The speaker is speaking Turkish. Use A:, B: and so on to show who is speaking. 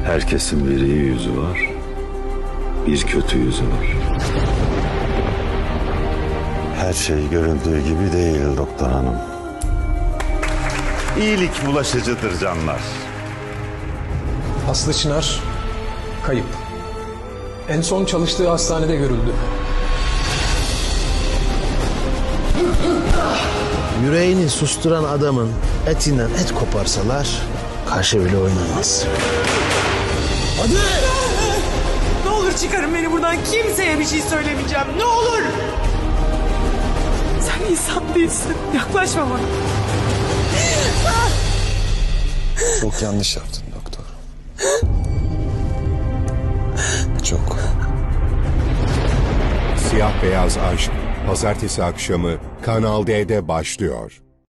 A: Herkesin bir iyi yüzü var, bir kötü yüzü var. Her şey görüldüğü gibi değil doktor hanım. İyilik bulaşıcıdır canlar.
B: Aslı Çınar kayıp. En son çalıştığı hastanede görüldü.
C: Yüreğini susturan adamın etinden et koparsalar kaşı bile oynamaz.
D: Ne olur çıkarın beni buradan. Kimseye bir şey söylemeyeceğim. Ne olur. Sen insan değilsin. Yaklaşma bana.
E: Çok yanlış yaptın doktor. Çok.
F: Siyah Beyaz Aşk Pazartesi akşamı Kanal D'de başlıyor.